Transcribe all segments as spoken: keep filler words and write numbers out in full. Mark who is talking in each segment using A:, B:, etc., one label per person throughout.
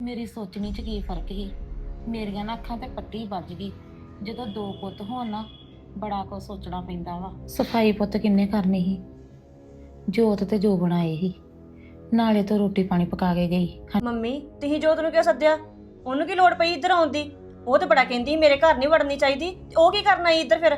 A: ਮੇਰੀ ਸੋਚਣੀ 'ਚ ਕੀ ਫਰਕ ਸੀ। ਮੇਰੀਆਂ ਨਾ ਅੱਖਾਂ ਤੇ ਪੱਟੀ ਵੱਜ ਗਈ। ਜਦੋਂ ਦੋ ਪੁੱਤ ਹੋਣ ਨਾ ਬੜਾ ਕੁਝ ਸੋਚਣਾ ਪੈਂਦਾ ਵਾ। ਸਫਾਈ ਪੁੱਤ ਕਿੰਨੇ ਕਰਨੀ ਸੀ? ਜੋਤ ਤੇ ਜੋ ਬਣਾਏ ਸੀ, ਨਾਲੇ ਤੋਂ ਰੋਟੀ ਪਾਣੀ ਪਕਾ ਕੇ ਗਈ।
B: ਮੰਮੀ ਤੁਸੀਂ ਜੋਤ ਨੂੰ ਕਿਉਂ ਸੱਦਿਆ? ਉਹਨੂੰ ਕੀ ਲੋੜ ਪਈ ਇੱਧਰ ਆਉਣ ਦੀ? ਉਹ ਤੇ ਬੜਾ ਕਹਿੰਦੀ ਮੇਰੇ ਘਰ ਨਹੀਂ ਵੜਨੀ ਚਾਹੀਦੀ, ਤੇ ਉਹ ਕੀ ਕਰਨਾ ਈ ਇੱਧਰ ਫਿਰ?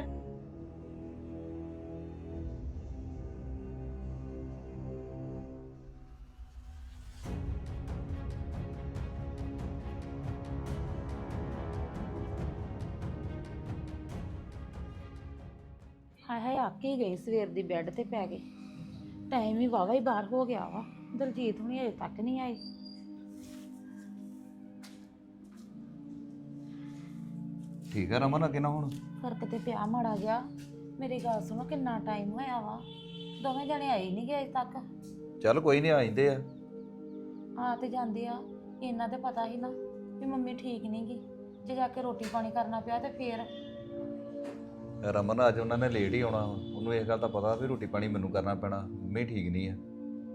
A: ਹਾਏ ਹਾਏ ਆਕੇ ਗਈ ਸਵੇਰ ਦੀ ਬੈੱਡ ਤੇ ਪੈ ਗਈ। ਟਾਈਮ ਹੀ ਵਾਵਾ ਹੀ ਬਾਹਰ ਹੋ ਗਿਆ ਵਾ। ਦਲਜੀਤ ਹੁਣੀ ਅਜੇ ਤੱਕ ਨਹੀਂ ਆਈ।
C: ਠੀਕ ਹੈ ਰਮਨ, ਅੱਗੇ ਨਾ ਹੁਣ
A: ਫਰਕ ਤੇ ਪਿਆ ਮਾੜਾ ਗਿਆ। ਮੇਰੀ ਗੱਲ ਸੁਣੋ, ਕਿੰਨਾ ਟਾਈਮ ਹੋਇਆ ਵਾ, ਦੋਵੇਂ ਜਣੇ ਆਏ ਨਹੀਂ ਗਏ ਅਜੇ ਤੱਕ।
C: ਚੱਲ ਕੋਈ ਨਹੀਂ, ਆ ਜਾਂਦੇ ਆ।
A: ਆ ਤੇ ਜਾਂਦੇ ਆ। ਇਹਨਾਂ ਤੇ ਪਤਾ ਸੀ ਨਾ ਵੀ ਮੰਮੀ ਠੀਕ ਨਹੀਂ ਗੀ। ਜੇ ਜਾ ਕੇ ਰੋਟੀ ਪਾਣੀ ਕਰਨਾ ਪਿਆ ਤੇ ਫੇਰ
C: ਰਮਨ ਅੱਜ ਉਹਨਾਂ ਨੇ ਲੇਟ ਹੀ ਆਉਣਾ ਵਾ। ਉਹਨੂੰ ਇਸ ਗੱਲ ਦਾ ਪਤਾ ਵੀ ਰੋਟੀ ਪਾਣੀ ਮੈਨੂੰ ਕਰਨਾ ਪੈਣਾ, ਮੰਮੀ ਠੀਕ ਨਹੀਂ ਆ।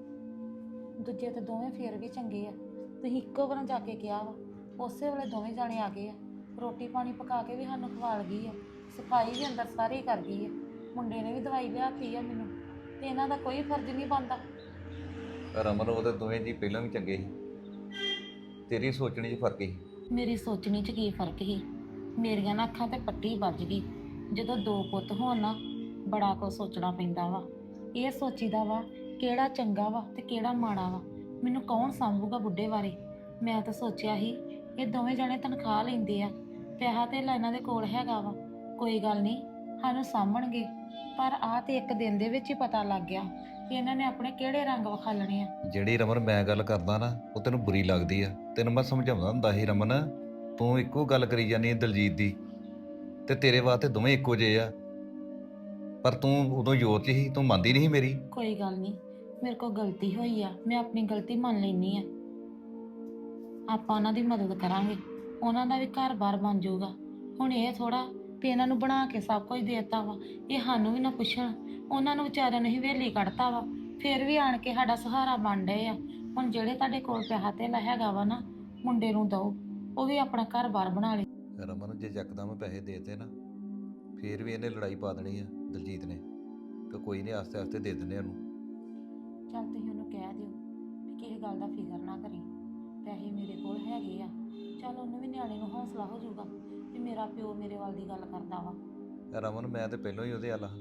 A: ਦੂਜੇ ਤੇ ਦੋਵੇਂ ਫੇਰ ਵੀ ਚੰਗੇ ਆ। ਤੁਸੀਂ ਇੱਕੋ ਵਾਰ ਜਾ ਕੇ ਕਿਹਾ ਵਾ, ਉਸੇ ਵੇਲੇ ਦੋਵੇਂ ਜਾਣੇ ਆ ਗਏ ਆ। ਰੋਟੀ ਪਾਣੀ ਪਕਾ ਕੇ ਵੀ ਸਾਨੂੰ ਖਵਾਲ ਗਈ ਆ, ਸਫਾਈ ਵੀ ਅੰਦਰ ਸਾਰੀ ਕਰ ਗਈ ਆ। ਮੁੰਡੇ ਨੇ ਵੀ ਦਵਾਈ ਲਿਆਤੀ ਆ ਮੈਨੂੰ, ਤੇ ਇਹਨਾਂ ਦਾ ਕੋਈ ਫਰਜ਼ ਨਹੀਂ ਬਣਦਾ।
C: ਰਮਨ ਉਹਦੇ ਦੋਵੇਂ ਜੀ ਪਹਿਲਾਂ ਵੀ ਚੰਗੇ ਸੀ, ਤੇਰੀ ਸੋਚਣੀ 'ਚ ਫਰਕ ਸੀ।
A: ਮੇਰੀ ਸੋਚਣੀ 'ਚ ਕੀ ਫਰਕ ਸੀ? ਮੇਰੀਆਂ ਨਾ ਅੱਖਾਂ ਤੇ ਪੱਟੀ ਵੱਜ ਗਈ। ਜਦੋਂ ਦੋ ਪੁੱਤ ਹੋਣ ਨਾ ਬੜਾ ਕੁਝ ਸੋਚਣਾ ਪੈਂਦਾ ਵਾ। ਇਹ ਸੋਚੀਦਾ ਵਾ ਕਿਹੜਾ ਚੰਗਾ ਵਾ ਤੇ ਕਿਹੜਾ ਮਾੜਾ ਵਾ। ਮੈਨੂੰ ਕੌਣ ਸੰਭੂਗਾ ਬੁੱਢੇ ਬਾਰੇ? ਮੈਂ ਤਾਂ ਸੋਚਿਆ ਸੀ ਇਹ ਦੋਵੇਂ ਜਣੇ ਤਨਖਾਹ ਲੈਂਦੇ ਆ, ਪੈਸਾ ਤੇ ਇਹਨਾਂ ਦੇ ਕੋਲ ਹੈਗਾ ਵਾ, ਕੋਈ ਗੱਲ ਨਹੀਂ ਸਾਨੂੰ ਸਾਂਭਣਗੇ। ਪਰ ਆਹ ਤੇ ਇੱਕ ਦਿਨ ਦੇ ਵਿੱਚ ਹੀ ਪਤਾ ਲੱਗ ਗਿਆ ਕਿ ਇਹਨਾਂ ਨੇ ਆਪਣੇ ਕਿਹੜੇ ਰੰਗ ਵਿਖਾਲਣੇ ਆ।
C: ਜਿਹੜੀ ਰਮਨ ਮੈਂ ਗੱਲ ਕਰਦਾ ਨਾ ਉਹ ਤੈਨੂੰ ਬੁਰੀ ਲੱਗਦੀ ਆ। ਤੈਨੂੰ ਮੈਂ ਸਮਝਾਉਂਦਾ ਹੁੰਦਾ ਸੀ ਰਮਨ, ਤੂੰ ਇੱਕੋ ਗੱਲ ਕਰੀ ਜਾਂਦੀ ਦਲਜੀਤ ਦੀ, ਤੇ ਤੇਰੇ ਵਾਸਤੇ ਦੋਵੇਂ ਇੱਕੋ ਜਿਹੇ ਆ। ਪਰ ਤੂੰ ਉਦੋਂ ਜੋਤ 'ਚ ਸੀ, ਤੂੰ ਮੰਨਦੀ ਨਹੀਂ ਸੀ ਮੇਰੀ।
A: ਕੋਈ ਗੱਲ ਨਹੀਂ, ਮੇਰੇ ਕੋਲ ਗਲਤੀ ਹੋਈ ਆ, ਮੈਂ ਆਪਣੀ ਗਲਤੀ ਮੰਨ ਲੈਣੀ ਆ। ਆਪਾਂ ਉਹਨਾਂ ਦੀ ਮਦਦ ਕਰਾਂਗੇ, ਉਹਨਾਂ ਦਾ ਵੀ ਘਰ-ਬਾਰ ਬਣ ਜਾਊਗਾ। ਹੁਣ ਇਹ ਥੋੜਾ ਵੀ ਇਹਨਾਂ ਨੂੰ ਬਣਾ ਕੇ ਸਭ ਕੁਝ ਦੇਤਾ ਵਾ, ਇਹ ਸਾਨੂੰ ਵੀ ਨਾ ਪੁੱਛਣ। ਉਹਨਾਂ ਨੂੰ ਵਿਚਾਰਿਆਂ ਨੂੰ ਹੀ ਹਵੇਲੀ ਕੱਢਤਾ ਵਾ, ਫਿਰ ਵੀ ਆਣ ਕੇ ਸਾਡਾ ਸਹਾਰਾ ਬਣ ਡਏ ਆ। ਹੁਣ ਜਿਹੜੇ ਤੁਹਾਡੇ ਕੋਲ ਪੈਸਾ ਧੇਲਾ ਹੈਗਾ ਵਾ ਨਾ, ਮੁੰਡੇ ਨੂੰ ਦਓ, ਉਹ ਵੀ ਆਪਣਾ ਘਰ-ਬਾਰ ਬਣਾ ਲੇ।
C: ਰਮਨ ਜੇ ਯਕਦਮ ਪੈਸੇ ਦੇਤੇ ਨਾ, ਫੇਰ ਵੀ ਇਹਨੇ ਲੜਾਈ ਪਾ ਦੇਣੀ ਆ ਦਲਜੀਤ ਨੇ। ਤੇ ਕੋਈ ਨਹੀਂ, ਆਸਤੇ ਆਸਤੇ ਦੇ ਦਿੰਦੇ ਉਹਨੂੰ।
A: ਚੱਲ ਤੁਸੀਂ ਉਹਨੂੰ ਕਹਿ ਦਿਓ ਵੀ ਕਿਸੇ ਗੱਲ ਦਾ ਫਿਕਰ ਨਾ ਕਰੀ, ਪੈਸੇ ਮੇਰੇ ਕੋਲ ਹੈਗੇ ਆ। ਚੱਲ ਉਹਨੂੰ ਵੀ ਨਿਆਣੇ ਨੂੰ ਹੌਸਲਾ ਹੋ ਜਾਊਗਾ ਵੀ ਮੇਰਾ ਪਿਓ ਮੇਰੇ ਵੱਲ ਦੀ ਗੱਲ ਕਰਦਾ ਵਾ।
C: ਰਮਨ ਮੈਂ ਤੇ ਪਹਿਲਾਂ ਹੀ ਉਹਦੇ ਹੱਲ।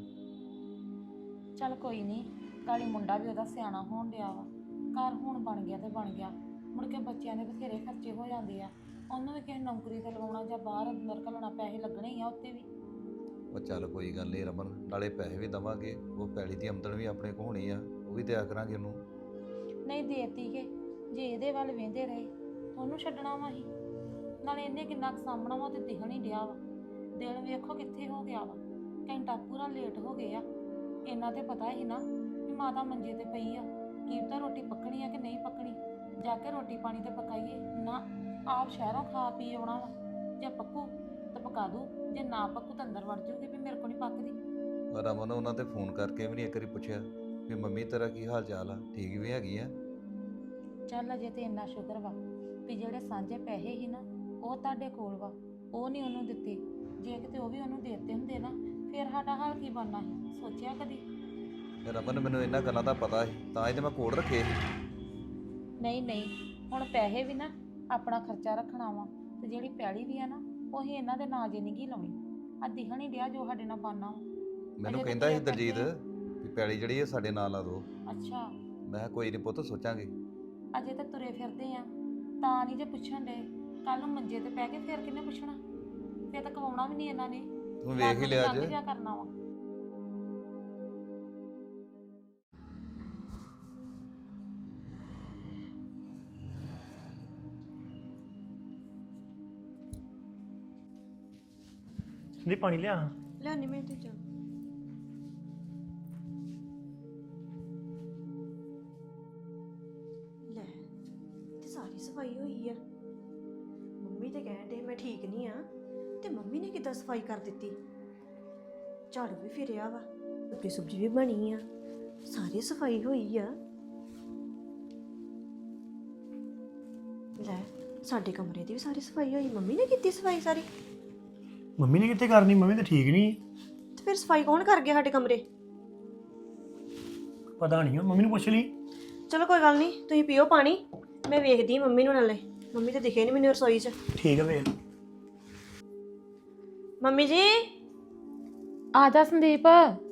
A: ਚੱਲ ਕੋਈ ਨਹੀਂ, ਕਾਲੀ ਮੁੰਡਾ ਵੀ ਉਹਦਾ ਸਿਆਣਾ ਹੋਣ ਡਿਆ ਵਾ। ਘਰ ਹੁਣ ਬਣ ਗਿਆ ਤੇ ਬਣ ਗਿਆ, ਮੁੜ ਕੇ ਬੱਚਿਆਂ ਦੇ ਬਥੇਰੇ ਖਰਚੇ ਹੋ ਜਾਂਦੇ ਆ। ਉਹਨੂੰ ਵੀ ਕਿਸੇ ਨੌਕਰੀ ਤੇ ਲਵਾਉਣਾ ਜਾਂ ਬਾਹਰ ਅੰਦਰ ਘੱਲਣਾ, ਪੈਸੇ ਲੱਗਣੇ ਹੀ ਆ ਉੱਤੇ ਵੀ।
C: ਉਹ ਚੱਲ ਕੋਈ ਗੱਲ ਨਹੀਂ ਰਮਨ, ਨਾਲੇ ਪੈਸੇ ਵੀ ਦੇਵਾਂਗੇ, ਉਹ ਪੈਲੀ ਦੀ ਆਮਦਨ ਵੀ ਆਪਣੇ ਕੋਲ ਹੋਣੀ ਆ, ਉਹ ਵੀ ਦਿਆ ਕਰਾਂਗੇ ਉਹਨੂੰ।
A: ਨਹੀਂ ਦੇਤੀ ਕਿ ਜੇ ਇਹਦੇ ਵੱਲ ਵੇਂਦੇ ਰਹੇ ਉਹਨੂੰ ਛੱਡਣਾ ਵਾ ਹੀ। ਨਾਲੇ ਇਹਨੇ ਕਿੰਨਾ ਕੁ ਸਾਂਭਣਾ ਵਾ ਤੇ ਦਿਖਣ ਹੀ ਡਿਆ ਵਾ। ਦਿਨ ਵੇਖੋ ਕਿੱਥੇ ਹੋ ਗਿਆ ਵਾ, ਘੰਟਾ ਪੂਰਾ ਲੇਟ ਹੋ ਗਏ ਆ। ਇਹਨਾਂ ਤੇ ਪਤਾ ਹੀ ਨਾ ਵੀ ਮਾਤਾ ਮੰਜੇ ਤੇ ਪਈ ਆ, ਕੀ ਪਤਾ ਰੋਟੀ ਪੱਕਣੀ ਆ ਕਿ ਨਹੀਂ ਪੱਕਣੀ। ਜਾ ਕੇ ਰੋਟੀ ਪਾਣੀ ਤੇ ਪਕਾਈਏ ਨਾ, ਆਪ ਸ਼ਹਿਰੋਂ ਖਾ ਪੀ ਆਉਣਾ ਵਾ। ਜੇ ਪੱਕੂ ਤਾਂ ਪਕਾ ਦੂ, ਜੇ ਨਾ ਪੱਕੂ ਤਾਂ ਅੰਦਰ ਵੜ ਜੂਗੀ ਵੀ ਮੇਰੇ ਕੋਲ ਨਹੀਂ ਪੱਕਦੀ।
C: ਰਮਨ ਉਹਨਾਂ ਤੇ ਫੋਨ ਕਰਕੇ ਵੀ ਨਹੀਂ ਇੱਕ ਵਾਰੀ ਪੁੱਛਿਆ ਵੀ ਮੰਮੀ ਤੇਰਾ ਕੀ ਹਾਲ ਚਾਲ ਆ, ਠੀਕ ਵੀ ਹੈਗੀ ਆ?
A: ਚੱਲ ਅਜੇ ਤੇ ਇੰਨਾ ਸ਼ੁਕਰ ਵਾ ਵੀ ਜਿਹੜੇ ਸਾਂਝੇ ਪੈਸੇ ਸੀ ਨਾ ਉਹ ਤੁਹਾਡੇ ਕੋਲ ਵਾ, ਉਹ ਨਹੀਂ ਉਹਨੂੰ ਦਿੱਤੇ। ਜੇ ਕਿਤੇ ਉਹ ਵੀ ਉਹਨੂੰ ਦੇ ਦਿੱਤੇ ਹੁੰਦੇ ਨਾ, ਫਿਰ ਸਾਡਾ ਹਾਲ ਕੀ ਬਣਨਾ ਸੀ? ਸੋਚਿਆ ਕਦੀ?
C: ਰਮਨ ਮੈਨੂੰ ਇਹਨਾਂ ਗੱਲਾਂ ਦਾ ਪਤਾ ਸੀ, ਤਾਂ ਹੀ ਤੇ ਮੈਂ ਕੋਲ ਰੱਖੇ ਸੀ।
A: ਨਹੀਂ ਨਹੀਂ, ਹੁਣ ਪੈਸੇ ਵੀ ਨਾ ਆਪਣਾ ਖਰਚਾ ਰੱਖਣਾ ਵਾ, ਤੇ ਜਿਹੜੀ ਪੈਲੀ ਵੀ ਆ ਨਾ ਉਹੀ ਇਹਨਾਂ ਦੇ ਨਾਂ ਜੇ ਨਹੀਂ ਗੀ ਲਾਉਣੀ। ਆ ਦਿਖਣ ਹੀ ਡਿਆ ਜੋ ਸਾਡੇ ਨਾਲ ਬਣਨਾ ਵਾ।
C: ਮੈਨੂੰ
A: ਅਜੇ ਤਾਂ
C: ਕਹਿੰਦਾ ਸੀ
A: ਤੁਰੇ
C: ਦਲਜੀਤ
A: ਫਿਰਦੇ
C: ਵੀ ਪੈਲੀ ਜਿਹੜੀ ਇਹ ਸਾਡੇ ਨਾਲ ਲਾ ਦੋ।
A: ਅੱਛਾ,
C: ਮੈਂ ਕਿਹਾ ਕੋਈ ਨਹੀਂ ਪੁੱਤ, ਸੋਚਾਂਗੇ।
A: ਅਜੇ ਤਾਂ ਤੁਰੇ ਫਿਰਦੇ ਆ ਤਾਂ ਨਹੀਂ ਜੇ ਪੁੱਛਣ ਦੇ। ਕੱਲ ਨੂੰ ਮੰਜੇ ਤੇ ਪੈ ਕੇ ਫਿਰ ਕਿਹਨੇ ਪੁੱਛਣਾ? ਫਿਰ ਤਾਂ ਕਵਾਉਣਾ ਵੀ ਨਹੀਂ ਇਹਨਾਂ ਨੇ।
C: ਤੂੰ ਵੇਖ ਹੀ ਲਿਆ ਅੱਜ।
A: ਜਾ ਕਰਨਾ ਵਾ।
D: ਨਹੀਂ ਪਾਣੀ ਲਿਆ।
B: ਲਿਆਨੀ ਮੈਂ ਤੇ ਜਾ। ਲੈ ਤੇ ਸਾਰੀ ਸਫਾਈ ਹੋਈ ਆ। ਮੰਮੀ ਤੇ ਕਹਿਣ ਡੇ ਮੈਂ ਠੀਕ ਨਹੀਂ ਆ, ਤੇ ਮੰਮੀ ਨੇ ਕਿੱਦਾਂ ਸਫਾਈ ਕਰ ਦਿੱਤੀ? ਝਾੜੂ ਵੀ ਫਿਰਿਆ ਵਾ, ਰੋਟੀ ਸਬਜ਼ੀ ਵੀ ਬਣੀ ਆ, ਸਾਰੀ ਸਫਾਈ ਹੋਈ ਆ। ਲੈ ਸਾਡੇ ਕਮਰੇ ਦੀ ਵੀ ਸਾਰੀ ਸਫਾਈ ਹੋਈ, ਮੰਮੀ ਨੇ ਕੀਤੀ ਸਫਾਈ ਸਾਰੀ?
D: ਮੰਮੀ ਨੇ ਕਿੱਥੇ ਕਰਨੀ, ਮੰਮੀ ਤਾਂ ਠੀਕ ਨਹੀਂ।
B: ਤੇ ਫਿਰ ਸਫਾਈ ਕੌਣ ਕਰ ਗਿਆ ਸਾਡੇ ਕਮਰੇ?
D: ਪਤਾ ਨਹੀਂ, ਮੰਮੀ ਨੂੰ ਪੁੱਛ ਲਈ।
B: ਚਲੋ ਕੋਈ ਗੱਲ ਨਹੀਂ, ਤੁਸੀਂ ਪੀਓ ਪਾਣੀ, ਮੈਂ ਵੇਖਦੀ ਮੰਮੀ ਨੂੰ ਨਾਲੇ। ਮੰਮੀ ਤਾਂ ਦਿਖੇ ਨਹੀਂ ਮੈਨੂੰ ਰਸੋਈ 'ਚ।
D: ਠੀਕ ਹੈ ਵੇਖ।
B: ਮੰਮੀ ਜੀ
A: ਆ ਜਾ ਸੰਦੀਪ।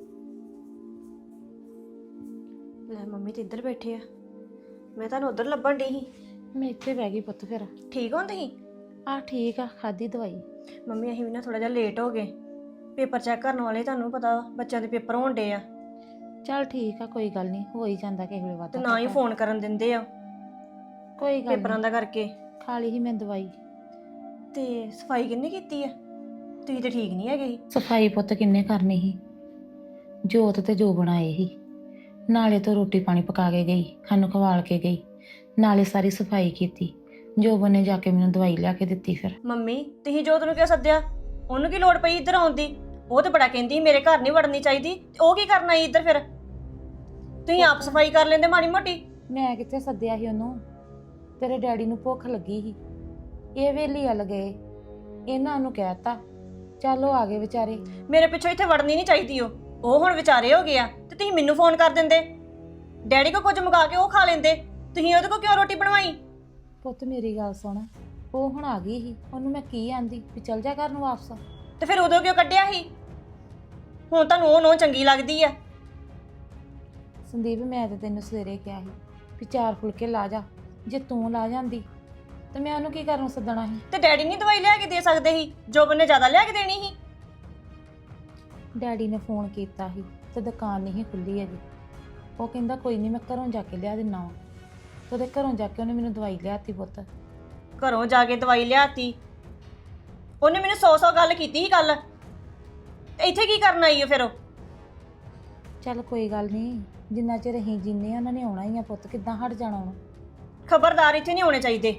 B: ਲੈ ਮੰਮੀ ਤੇ ਇੱਧਰ ਬੈਠੇ ਆ, ਮੈਂ ਤੁਹਾਨੂੰ ਉੱਧਰ ਲੱਭਣ ਡਈ ਸੀ।
A: ਮੈਂ ਇੱਥੇ ਬਹਿ ਗਈ ਪੁੱਤ ਫਿਰ।
B: ਠੀਕ ਹੋ ਤੁਸੀਂ?
A: ਆ ਠੀਕ ਆ, ਖਾਦੀ ਦਵਾਈ।
B: ਮੰਮੀ ਅਸੀਂ ਵੀ ਨਾ ਥੋੜਾ ਜਿਹਾ ਲੇਟ ਹੋ ਗਏ, ਪੇਪਰ ਚੈੱਕ ਕਰਨ ਵਾਲੇ, ਤੁਹਾਨੂੰ ਪਤਾ ਬੱਚਿਆਂ ਦੇ ਪੇਪਰ ਹੋਣ ਡੇ ਆ।
A: ਚੱਲ ਠੀਕ ਆ, ਕੋਈ ਗੱਲ ਨਹੀਂ, ਹੋ ਹੀ ਜਾਂਦਾ ਕਿਸੇ ਵੇਲੇ
B: ਤੇ
A: ਵਾਧਾ
B: ਨਾ ਹੀ ਫੋਨ ਕਰਨ ਦਿੰਦੇ ਆ
A: ਕੋਈ ਗੱਲ
B: ਪੇਪਰਾਂ
A: ਨੀ,
B: ਦਾ ਕਰਕੇ।
A: ਖਾ ਲਈ ਸੀ ਮੈਂ ਦਵਾਈ।
B: ਤੇ ਸਫਾਈ ਕਿੰਨੇ ਕੀਤੀ ਆ? ਤੁਸੀਂ ਤੇ ਠੀਕ ਨਹੀਂ ਹੈਗੇ ਸੀ।
A: ਸਫਾਈ ਪੁੱਤ ਕਿੰਨੇ ਕਰਨੀ ਸੀ? ਜੋਤ ਤੇ ਜੋ ਬਣਾਏ ਸੀ, ਨਾਲੇ ਤੋਂ ਰੋਟੀ ਪਾਣੀ ਪਕਾ ਕੇ ਗਈ, ਸਾਨੂੰ ਖਵਾਲ ਕੇ ਗਈ, ਨਾਲੇ ਸਾਰੀ ਸਫਾਈ ਕੀਤੀ। ਜੋਬਨ ਨੇ ਜਾ ਕੇ ਮੈਨੂੰ ਦਵਾਈ ਲਿਆ ਕੇ ਦਿੱਤੀ। ਫਿਰ
B: ਮੰਮੀ ਤੁਸੀਂ ਜੋਤ ਨੂੰ ਕਿਉਂ ਸੱਦਿਆ? ਉਹਨੂੰ ਕੀ ਲੋੜ ਪਈ ਇੱਧਰ ਆਉਣ ਦੀ? ਉਹ ਤੇ ਬੜਾ ਕਹਿੰਦੀ ਮੇਰੇ ਘਰ ਨਹੀਂ ਵੜਨੀ ਚਾਹੀਦੀ, ਤੇ ਉਹ ਕੀ ਕਰਨਾ ਸੀ ਇੱਧਰ? ਫਿਰ ਤੁਸੀਂ ਆਪ ਸਫਾਈ ਕਰ ਲੈਂਦੇ ਮਾੜੀ ਮੋਟੀ।
A: ਮੈਂ ਕਿੱਥੇ ਸੱਦਿਆ ਸੀ ਉਹਨੂੰ? ਤੇਰੇ ਡੈਡੀ ਨੂੰ ਭੁੱਖ ਲੱਗੀ ਸੀ, ਇਹ ਵੇਲੀ ਵੱਲ ਗਏ, ਇਹਨਾਂ ਨੂੰ ਕਹਿਤਾ, ਚੱਲ ਉਹ ਆ ਗਏ ਵਿਚਾਰੇ।
B: ਮੇਰੇ ਪਿੱਛੋਂ ਇੱਥੇ ਵੜਨੀ ਨਹੀਂ ਚਾਹੀਦੀ। ਉਹ ਉਹ ਹੁਣ ਵਿਚਾਰੇ ਹੋ ਗਿਆ, ਤੇ ਤੁਸੀਂ ਮੈਨੂੰ ਫੋਨ ਕਰ ਦਿੰਦੇ, ਡੈਡੀ ਕੋ ਕੁਝ ਮੰਗਾ ਕੇ ਉਹ ਖਾ ਲੈਂਦੇ। ਤੁਸੀਂ ਉਹਦੇ ਕੋ ਕਿਉਂ ਰੋਟੀ ਬਣਵਾਈ?
A: ਪੁੱਤ ਮੇਰੀ ਗੱਲ ਸੁਣ, ਉਹ ਹੁਣ ਆ ਗਈ ਸੀ, ਉਹਨੂੰ ਮੈਂ ਕੀ ਆਂਦੀ ਵੀ ਚੱਲ ਜਾ ਘਰ ਨੂੰ ਵਾਪਸ।
B: ਤੇ ਫਿਰ ਉਦੋਂ ਕਿਉਂ ਕੱਢਿਆ ਸੀ? ਹੁਣ ਤੁਹਾਨੂੰ ਉਹ ਨੋ ਚੰਗੀ ਲੱਗਦੀ ਆ?
A: ਸੰਦੀਪ ਮੈਂ ਤੇ ਤੈਨੂੰ ਸਵੇਰੇ ਕਿਹਾ ਸੀ ਵੀ ਚਾਰ ਫੁਲਕੇ ਲਾ ਜਾ, ਜੇ ਤੂੰ ਲਾ ਜਾਂਦੀ ਤੇ ਮੈਂ ਉਹਨੂੰ ਕੀ ਕਰਨ ਨੂੰ ਸੱਦਣਾ ਸੀ?
B: ਤੇ ਡੈਡੀ ਨਹੀਂ ਦਵਾਈ ਲਿਆ ਕੇ ਦੇ ਸਕਦੇ ਸੀ? ਜੋਬਨ ਨੇ ਜ਼ਿਆਦਾ ਲਿਆ ਕੇ ਦੇਣੀ ਸੀ।
A: ਡੈਡੀ ਨੇ ਫੋਨ ਕੀਤਾ ਸੀ ਤੇ ਦੁਕਾਨ ਨਹੀਂ ਖੁੱਲੀ ਹੈਗੀ। ਉਹ ਕਹਿੰਦਾ ਕੋਈ ਨਹੀਂ, ਮੈਂ ਘਰੋਂ ਜਾ ਕੇ ਲਿਆ ਦਿੰਨਾ ਵਾ। ਤੇ ਉਹਦੇ ਘਰੋਂ ਜਾ ਕੇ ਉਹਨੇ ਮੈਨੂੰ ਦਵਾਈ ਲਿਆਤੀ ਪੁੱਤ।
B: ਘਰੋਂ ਜਾ ਕੇ ਦਵਾਈ ਲਿਆਤੀ? ਉਹਨੇ ਮੈਨੂੰ ਸੌ ਸੌ ਗੱਲ ਕੀਤੀ ਸੀ ਕੱਲ, ਤੇ ਇੱਥੇ ਕੀ ਕਰਨ ਆਈ ਹੈ ਫਿਰ ਉਹ?
A: ਚੱਲ ਕੋਈ ਗੱਲ ਨਹੀਂ, ਜਿੰਨਾ ਚਿਰ ਅਸੀਂ ਜੀਨੇ ਆ ਉਹਨਾਂ ਨੇ ਆਉਣਾ ਹੀ ਆ ਪੁੱਤ, ਕਿੱਦਾਂ ਹਟ ਜਾਣਾ ਉਹਨੂੰ।
B: ਖਬਰਦਾਰ, ਇੱਥੇ ਨਹੀਂ ਹੋਣੇ ਚਾਹੀਦੇ।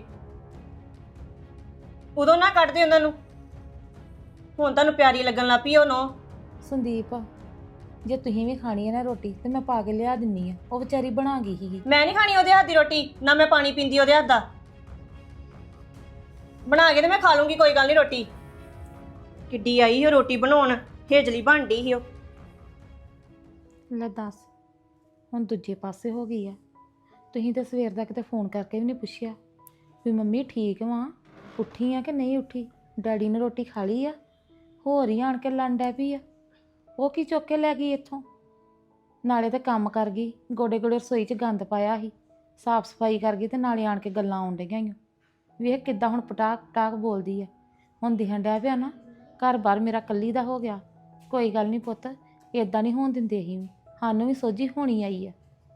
B: ਉਦੋਂ ਨਾ ਕੱਢਦੇ ਉਹਨਾਂ ਨੂੰ, ਹੁਣ ਤੁਹਾਨੂੰ ਪਿਆਰੀ ਲੱਗਣ ਲੱਗ ਪਈ ਉਹ ਨੋ।
A: ਸੰਦੀਪ ਜੇ ਤੁਸੀਂ ਵੀ ਖਾਣੀ ਹੈ ਨਾ ਰੋਟੀ ਤੇ ਮੈਂ ਪਾ ਕੇ ਲਿਆ ਦਿੰਨੀ ਆ, ਉਹ ਵਿਚਾਰੀ ਬਣਾ ਗਈ ਸੀਗੀ।
B: ਮੈਂ ਨਹੀਂ ਖਾਣੀ ਉਹਦੇ ਹੱਥ ਦੀ ਰੋਟੀ, ਨਾ ਮੈਂ ਪਾਣੀ ਪੀਂਦੀ ਉਹਦੇ ਹੱਥ ਦਾ। ਬਣਾ ਕੇ ਤੇ ਮੈਂ ਖਾ ਲੂੰਗੀ, ਕੋਈ ਗੱਲ ਨਹੀਂ। ਰੋਟੀ ਕਿੱਡੀ ਆਈ ਉਹ ਰੋਟੀ ਬਣਾਉਣ, ਹੇਜਲੀ ਬਣਦੀ ਸੀ ਉਹ।
A: ਲੈ ਦੱਸ, ਹੁਣ ਦੂਜੇ ਪਾਸੇ ਹੋ ਗਈ ਆ। ਤੁਸੀਂ ਤਾਂ ਸਵੇਰ ਦਾ ਕਿਤੇ ਫੋਨ ਕਰਕੇ ਵੀ ਨਹੀਂ ਪੁੱਛਿਆ ਵੀ ਮੰਮੀ ਠੀਕ ਵਾਂ, ਉੱਠੀ ਆ ਕਿ ਨਹੀਂ ਉੱਠੀ, ਡੈਡੀ ਨੇ ਰੋਟੀ ਖਾ ਲਈ ਆ, ਹੋਰ ਹੀ ਆਣ ਕੇ ਲੰਨ ਡੈ ਪਈ ਆ। ਉਹ ਕੀ ਚੁੱਕ ਕੇ ਲੈ ਗਈ ਇੱਥੋਂ? ਨਾਲੇ ਤਾਂ ਕੰਮ ਕਰ ਗਈ, ਗੋਡੇ ਗੋਡੇ ਰਸੋਈ 'ਚ ਗੰਦ ਪਾਇਆ ਸੀ, ਸਾਫ਼ ਸਫਾਈ ਕਰ ਗਈ, ਤੇ ਨਾਲੇ ਆਣ ਕੇ ਗੱਲਾਂ ਆਉਣ ਡਈਆਂ ਈ। ਵੇਖ ਕਿੱਦਾਂ ਹੁਣ ਪਟਾਕ ਪਟਾਕ ਬੋਲਦੀ ਆ। ਹੁਣ ਦਿਖਣ ਡਿਆ ਪਿਆ ਨਾ, ਘਰ ਬਾਰ ਮੇਰਾ ਕੱਲੀ ਦਾ ਹੋ ਗਿਆ। ਕੋਈ ਗੱਲ ਨਹੀਂ ਪੁੱਤ, ਇਦਾਂ ਨਹੀਂ ਹੋਣ ਦਿੰਦੇ ਅਸੀਂ ਵੀ, ਸਾਨੂੰ ਵੀ ਸੋਝੀ ਹੋਣੀ ਆਈ ਆ।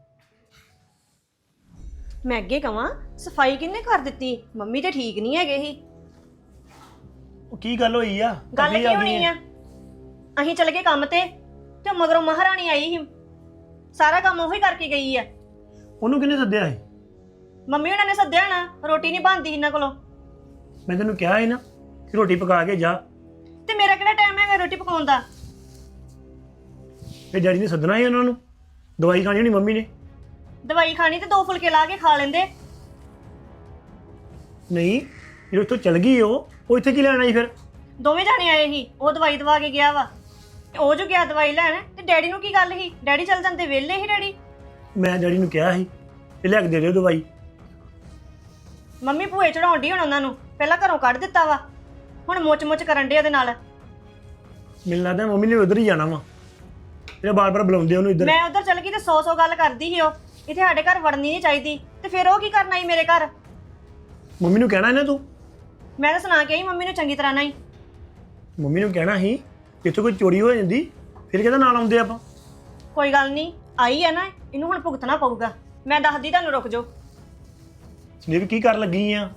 B: ਮੈਂ ਅੱਗੇ ਕਵਾਂ, ਸਫਾਈ ਕਿਹਨੇ ਕਰ ਦਿੱਤੀ? ਮੰਮੀ ਤੇ ਠੀਕ ਨਹੀਂ ਹੈਗੇ ਸੀ।
D: ਉਹ ਕੀ ਗੱਲ ਹੋਈ ਆ?
B: ਗੱਲ
D: ਕਦੀ
B: ਕੀ ਹੋਣੀ ਆ? ਅਸੀਂ ਚਲੇ ਗਏ ਕੰਮ ਤੇ, ਤੇ ਮਗਰੋਂ ਮਹਾਰਾਣੀ ਆਈ ਸੀ, ਸਾਰਾ ਕੰਮ ਉਹੀ ਕਰਕੇ ਗਈ ਆ।
D: ਉਹਨੂੰ ਕਿਹਨੇ ਸੱਦਿਆ ਸੀ?
B: ਮੰਮੀ ਉਹਨਾਂ ਨੇ ਸੱਦਿਆ ਨਾ, ਰੋਟੀ ਨਹੀਂ ਬਣਦੀ ਇਹਨਾਂ ਕੋਲੋਂ।
D: ਮੈਂ ਤੈਨੂੰ ਕਿਹਾ ਸੀ ਨਾ ਕਿ ਰੋਟੀ ਪਕਾ ਕੇ ਜਾ।
B: ਤੇ ਮੇਰਾ ਕਿਹੜਾ ਟਾਈਮ ਹੈਗਾ ਰੋਟੀ ਪਕਾਉਣ ਦਾ?
D: ਤੇ ਡੈਡੀ ਨੇ ਸੱਦਣਾ ਸੀ ਉਹਨਾਂ ਨੂੰ, ਦਵਾਈ ਖਾਣੀ ਹੋਣੀ ਮੰਮੀ ਨੇ।
B: ਦਵਾਈ ਖਾਣੀ ਤੇ ਦੋ ਫੁਲਕੇ ਲਾ ਕੇ ਖਾ ਲੈਂਦੇ।
D: ਨਹੀਂ, ਜਦੋਂ ਉੱਥੋਂ ਚਲ ਗਈ ਉਹ ਉਹ ਇੱਥੇ ਕੀ ਲੈਣ ਆਈ ਫਿਰ?
B: ਦੋਵੇਂ ਜਾਣੇ ਆਏ ਸੀ, ਉਹ ਦਵਾਈ ਦਵਾ ਕੇ ਗਿਆ ਵਾ, ਤੇ ਉਹ ਜੋ ਗਿਆ ਦਵਾਈ ਲੈਣ। ਤੇ ਡੈਡੀ ਨੂੰ ਕੀ ਗੱਲ ਸੀ? ਡੈਡੀ ਚੱਲ ਜਾਂਦੇ, ਵਿਹਲੇ ਸੀ ਡੈਡੀ।
D: ਮੈਂ ਡੈਡੀ ਨੂੰ ਕਿਹਾ ਸੀ ਤੇ ਲੈ ਕੇ ਦੇ ਦਿਓ ਦਵਾਈ।
B: ਮੰਮੀ ਭੂਏ ਚੜਾਉਣ ਡਈ ਹੁਣ ਉਹਨਾਂ ਨੂੰ, ਪਹਿਲਾਂ ਘਰੋਂ ਕੱਢ ਦਿੱਤਾ ਵਾ, ਹੁਣ ਮੁੱਚ ਮੁੱਚ ਕਰਨ ਡੇ ਉਹਦੇ ਨਾਲ।
D: ਮੈਨੂੰ ਲੱਗਦਾ ਮੰਮੀ ਨੇ ਉਧਰ ਹੀ ਜਾਣਾ ਵਾ, ਜਿਹੜਾ ਬਾਰ-ਬਾਰ ਬੁਲਾਉਂਦੇ ਉਹਨੂੰ ਇੱਧਰ।
B: ਮੈਂ ਉਧਰ ਚਲ ਗਈ ਤੇ ਸੌ ਸੌ ਗੱਲ ਕਰਦੀ ਸੀ ਉਹ, ਇੱਥੇ ਸਾਡੇ ਘਰ ਵੜਨੀ ਨਹੀਂ ਚਾਹੀਦੀ। ਤੇ ਫਿਰ ਉਹ ਕੀ ਕਰਨ ਆਈ ਮੇਰੇ ਘਰ?
D: ਮੰਮੀ ਨੂੰ ਕਹਿਣਾ ਨਾ ਤੂੰ।
B: ਮੈਂ ਤਾਂ ਸੁਣਾ ਕੇ ਆਈ ਮੰਮੀ ਨੂੰ ਚੰਗੀ ਤਰ੍ਹਾਂ ਨਹੀਂ।
D: ਮੰਮੀ ਨੂੰ ਕਹਿਣਾ ਸੀ ਜਿੱਥੇ ਕੋਈ ਚੋਰੀ ਹੋ ਜਾਂਦੀ ਫਿਰ ਕਿਹਦਾ ਨਾਲ ਆਉਂਦੇ ਆਪਾਂ।
B: ਕੋਈ ਗੱਲ ਨਹੀਂ, ਆਈ ਹੈ ਨਾ, ਇਹਨੂੰ ਹੁਣ ਭੁਗਤਣਾ ਪਊਗਾ। ਮੈਂ ਦੱਸਦੀ ਤੁਹਾਨੂੰ, ਰੁਕ ਜਾਓ।
D: ਸੰਦੀਪ ਕੀ ਕਰਨ ਲੱਗੀ ਆ?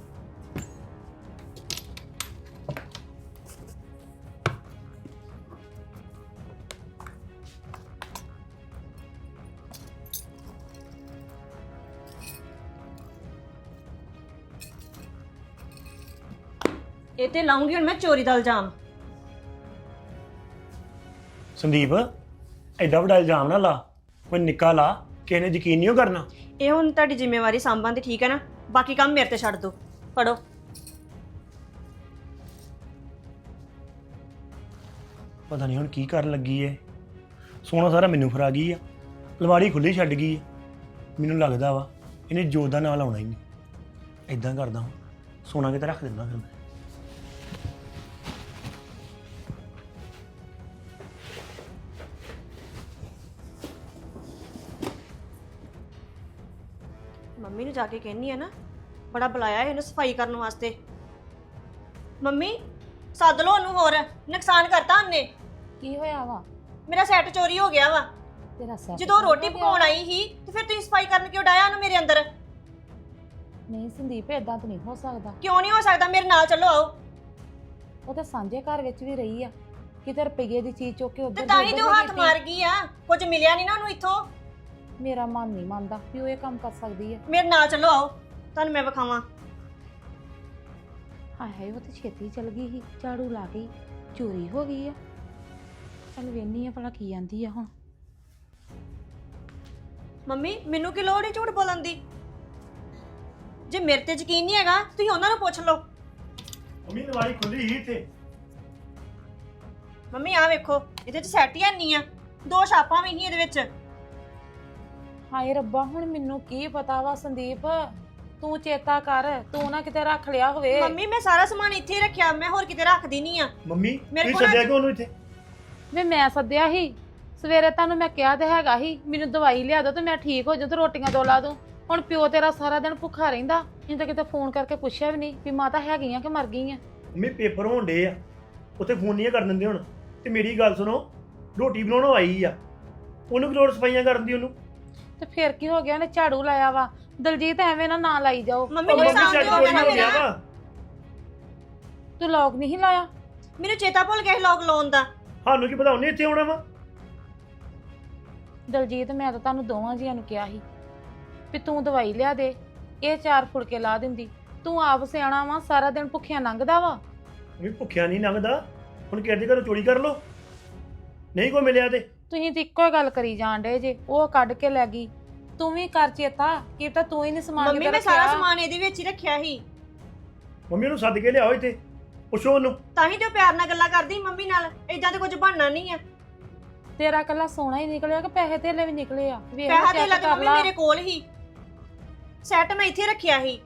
B: ਇਹ ਤੇ ਲਾਉਂਗੀ ਹੁਣ ਮੈਂ ਚੋਰੀ ਦਾ ਇਲਜ਼ਾਮ।
D: ਸੰਦੀਪ ਐਡਾ ਵੱਡਾ ਇਲਜ਼ਾਮ ਨਾ ਲਾ, ਕੋਈ ਨਿੱਕਾ ਲਾ, ਕਿਸੇ ਨੇ ਯਕੀਨ ਨਹੀਂ ਕਰਨਾ।
B: ਇਹ ਹੁਣ ਤੁਹਾਡੀ ਜ਼ਿੰਮੇਵਾਰੀ ਸਾਂਭਾਂ ਦੀ, ਠੀਕ ਹੈ ਨਾ? ਬਾਕੀ ਕੰਮ ਮੇਰੇ ਤੇ ਛੱਡ ਦਿਓ। ਫੜੋ।
D: ਪਤਾ ਨਹੀਂ ਹੁਣ ਕੀ ਕਰਨ ਲੱਗੀ ਏ। ਸੋਨਾ ਸਾਰਾ ਮੈਨੂੰ ਫਰਾ ਗਈ ਆ, ਅਲਮਾਰੀ ਖੁੱਲੀ ਛੱਡ ਗਈ ਆ। ਮੈਨੂੰ ਲੱਗਦਾ ਵਾ ਇਹਨੇ ਜੋਤ ਦਾ ਨਾਂ ਲਾਉਣਾ ਹੀ ਨਹੀਂ। ਇਦਾਂ ਕਰਦਾ ਹਾਂ, ਸੋਨਾ ਕਿਤੇ ਰੱਖ ਦਿੰਦਾ ਫਿਰ ਮੈਂ।
B: ਮੰਮੀ ਨੂੰ ਜਾ ਕੇ ਕਹਿੰਨੀ ਆ ਨਾ, ਬੜਾ ਬੁਲਾਇਆ ਇਹਨੂੰ ਸਫਾਈ ਕਰਨ ਵਾਸਤੇ। ਮੰਮੀ ਸੱਦ ਲਓ ਉਹਨੂੰ, ਹੋਰ ਨੁਕਸਾਨ ਕਰਤਾ ਉਹਨੇ।
A: ਕੀ ਹੋਇਆ ਵਾ?
B: ਮੇਰਾ ਸੈੱਟ ਚੋਰੀ ਹੋ ਗਿਆ ਵਾ।
A: ਤੇਰਾ ਸੈੱਟ
B: ਜਦੋਂ ਰੋਟੀ ਪਕਾਉਣ ਆਈ ਸੀ ਤੇ ਫਿਰ ਤੁਸੀਂ ਸਫਾਈ ਕਰਨ ਕਿਉਂ ਡਾਇਆ ਉਹਨੂੰ ਮੇਰੇ ਅੰਦਰ?
A: ਨਹੀਂ ਸੰਦੀਪ, ਏਦਾਂ ਤਾਂ ਨਹੀਂ ਹੋ ਸਕਦਾ।
B: ਕਿਉਂ ਨਹੀਂ ਹੋ ਸਕਦਾ? ਮੇਰੇ ਨਾਲ ਚੱਲੋ, ਆਓ।
A: ਉਹ ਤਾਂ ਸਾਂਝੇ ਘਰ ਵਿੱਚ ਵੀ ਰਹੀ ਆ, ਕਿਤੇ ਰੁਪਈਏ ਦੀ ਚੀਜ਼ ਚੁੱਕ ਕੇ
B: ਤੇ
A: ਉੱਧਰ
B: ਤਾਂ ਹੀ ਤੇ ਉਹ ਹੱਥ ਮਾਰ ਗਈ ਆ, ਕੁਝ ਮਿਲਿਆ ਨਹੀਂ ਨਾ ਉਹਨੂੰ ਇੱਥੋਂ।
A: ਮੇਰਾ ਮਨ ਨਹੀਂ ਮੰਨਦਾ ਵੀ ਉਹ ਇਹ ਕੰਮ ਕਰ ਸਕਦੀ ਹੈ।
B: ਮੇਰੇ ਨਾਲ ਚੱਲੋ, ਆਓ, ਤੁਹਾਨੂੰ ਮੈਂ ਵਿਖਾਵਾਂ।
A: ਹਾਏ ਹਾਏ, ਉਹ ਤੇ ਛੇਤੀ ਚਲ ਗਈ ਸੀ, ਝਾੜੂ ਲਾ ਗਈ, ਚੋਰੀ ਹੋ ਗਈ ਆ। ਚੱਲ ਵੇਖਨੀ ਆ ਭਲਾ ਕੀ ਆਂਦੀ ਆ ਹੁਣ।
B: ਮੰਮੀ ਮੈਨੂੰ ਕੀ ਲੋੜ ਹੈ ਝੂਠ ਬੋਲਣ ਦੀ? ਜੇ ਮੇਰੇ ਤੇ ਯਕੀਨ ਨਹੀਂ ਹੈਗਾ ਤੁਸੀਂ ਉਹਨਾਂ ਨੂੰ ਪੁੱਛ ਲਓ।
D: ਮੰਮੀ ਅਲਮਾਰੀ ਖੁੱਲੀ ਹੀ ਇੱਥੇ।
B: ਮੰਮੀ ਆਹ ਵੇਖੋ, ਇਹਦੇ ਚ ਸੈੱਟ ਹੀ ਨਹੀਂ ਆ, ਦੋ ਛਾਪਾਂ ਵੀ ਸੀ ਇਹਦੇ ਵਿੱਚ।
A: ਹਾਏ ਰੱਬਾ, ਹੁਣ ਮੈਨੂੰ ਕੀ ਪਤਾ ਵਾ ਸੰਦੀਪ, ਤੂੰ ਚੇਤਾ ਕਰ, ਤੂੰ ਨਾ ਕਿਤੇ ਰੱਖ ਲਿਆ ਹੋਵੇ।
B: ਮੰਮੀ ਮੈਂ ਸਾਰਾ ਸਮਾਨ ਇੱਥੇ ਹੀ ਰੱਖਿਆ, ਮੈਂ ਹੋਰ ਕਿਤੇ ਰੱਖਦੀ ਨਹੀਂ ਆ।
D: ਮੰਮੀ
B: ਮੇਰੇ
D: ਤੁਸੀਂ
B: ਕੋਲ
D: ਸੱਦਿਆ ਕਿਉਂ ਉਹਨੂੰ ਇੱਥੇ?
A: ਵੇ ਮੈਂ ਸੱਦਿਆ ਸੀ ਸਵੇਰੇ, ਤੁਹਾਨੂੰ ਮੈਂ ਕਿਹਾ ਤੇ ਹੈਗਾ ਸੀ ਮੈਨੂੰ ਦਵਾਈ ਲਿਆ ਦੋ ਤੇ ਮੈਂ ਠੀਕ ਹੋ ਜਾਊਂ ਤੇ ਰੋਟੀਆਂ ਦੋ ਲਾ ਦੂੰ। ਹੁਣ ਪਿਓ ਤੇਰਾ ਸਾਰਾ ਦਿਨ ਭੁੱਖਾ ਰਹਿੰਦਾ, ਇਹਨੂੰ ਤਾਂ ਕਿਤੇ ਫੋਨ ਕਰਕੇ ਪੁੱਛਿਆ ਵੀ ਨਹੀਂ ਵੀ ਮਾਤਾ ਹੈਗੀ ਆ ਕਿ ਮਰ ਗਈ ਆ।
D: ਮੰਮੀ ਪੇਪਰ ਹੋਣ ਡੇ ਆ, ਉੱਥੇ ਫੋਨ ਨਹੀਂ ਕਰਨ ਦਿੰਦੇ ਹੁਣ। ਤੇ ਮੇਰੀ ਗੱਲ ਸੁਣੋ, ਰੋਟੀ ਬਣਾਉਣ ਆਈ ਆ, ਉਹਨੂੰ ਕੀ ਲੋੜ ਸਫਾਈਆਂ ਕਰਨ ਦੀ ਉਹਨੂੰ?
A: ਤੇ ਫਿਰ ਕੀ ਹੋ ਗਿਆ, ਉਹਨੇ ਝਾੜੂ ਲਾਇਆ ਵਾ। ਦਲਜੀਤ ਐਵੇਂ ਨਾ ਨਾ ਲਾਈ ਜਾਓ।
B: ਮੰਮੀ
D: ਉਹ ਮੰਮੀ
B: ਨੁਕਸਾਨ
D: ਸੈੱਟ
B: ਤੇ ਹੋ
D: ਚੋਰੀ
B: ਗਿਆ
D: ਹੋ
B: ਨਾ
D: ਗਿਆ
B: ਮੇਰਾ।
D: ਵਾ।
A: ਤੂੰ ਲੋਕ ਨਹੀਂ ਲਾਇਆ?
B: ਮੈਨੂੰ ਚੇਤਾ ਭੁੱਲ ਗਿਆ ਸੀ ਲੋਕ ਲਾਉਣ ਦਾ।
D: ਸਾਨੂੰ ਕੀ ਪਤਾ ਉਹਨੇ ਇੱਥੇ ਆਉਣਾ ਵਾ।
A: ਦਲਜੀਤ ਮੈਂ ਤਾਂ ਤੁਹਾਨੂੰ ਦੋਵਾਂ ਜੀਆਂ ਨੂੰ ਕਿਹਾ ਸੀ ਵੀ ਤੂੰ ਦਵਾਈ ਲਿਆ ਦੇ, ਇਹ ਚਾਰ ਫੁਲਕੇ ਲਾ ਦਿੰਦੀ। ਤੂੰ ਆਪ ਸਿਆਣਾ ਵਾ, ਸਾਰਾ ਦਿਨ ਭੁੱਖਿਆ ਲੰਘਦਾ ਵਾ।
D: ਮੰਮੀ ਭੁੱਖਿਆ ਨਹੀਂ ਲੰਘਦਾ, ਹੁਣ ਕਿਹਦੇ ਘਰੋਂ ਚੋਰੀ ਕਰ ਲੋ, ਨਹੀਂ ਕੋਈ ਮਿਲਿਆ ਤੇ।
A: ਤੁਸੀਂ ਤੇ ਇੱਕੋ ਹੀ ਗੱਲ ਕਰੀ ਜਾਣ ਡੇ ਜੇ, ਉਹ ਕੱਢ ਕੇ ਲੈ ਗਈ। ਤੂੰ ਵੀ ਕਰ ਚੇਤਾ, ਕੀ ਤਾਂ ਤੂੰ ਹੀ ਨਹੀਂ ਸਮਾਨ
B: ਮੰਮੀ
A: ਕਿਤੇ
B: ਮੈਂ ਸਾਰਾ
A: ਰੱਖਿਆ।
B: ਸਮਾਨ ਇਹਦੇ ਵਿੱਚ ਹੀ ਰੱਖਿਆ ਸੀ,
D: ਮੰਮੀ ਉਹਨੂੰ ਸੱਦ ਕੇ ਲਿਆਓ ਇੱਥੇ, ਪੁੱਛੋ ਉਹਨੂੰ।
B: ਤਾਂ ਹੀ ਤੇ ਉਹ ਪਿਆਰ ਨਾਲ ਗੱਲਾਂ ਕਰਦੀ ਮੰਮੀ ਨਾਲ। ਏਦਾਂ ਤੇ ਕੁਝ ਬਣਨਾ ਨਹੀਂ ਆ।
A: ਤੇਰਾ ਕੱਲਾ ਸੋਨਾ ਹੀ ਨਿਕਲਿਆ ਕਿ ਪੈਸੇ ਧੇਲੇ ਵੀ ਨਿਕਲੇ ਆ? ਵੇਖ
B: ਪੈਸਾ
A: check
B: ਤੇ ਲੱਗ
A: ਕਰ
B: ਮੰਮੀ
A: ਲਾ।
B: ਮੇਰੇ ਕੋਲ ਹੀ, ਸੈੱਟ ਮੈਂ ਇੱਥੇ ਰੱਖਿਆ ਸੀ।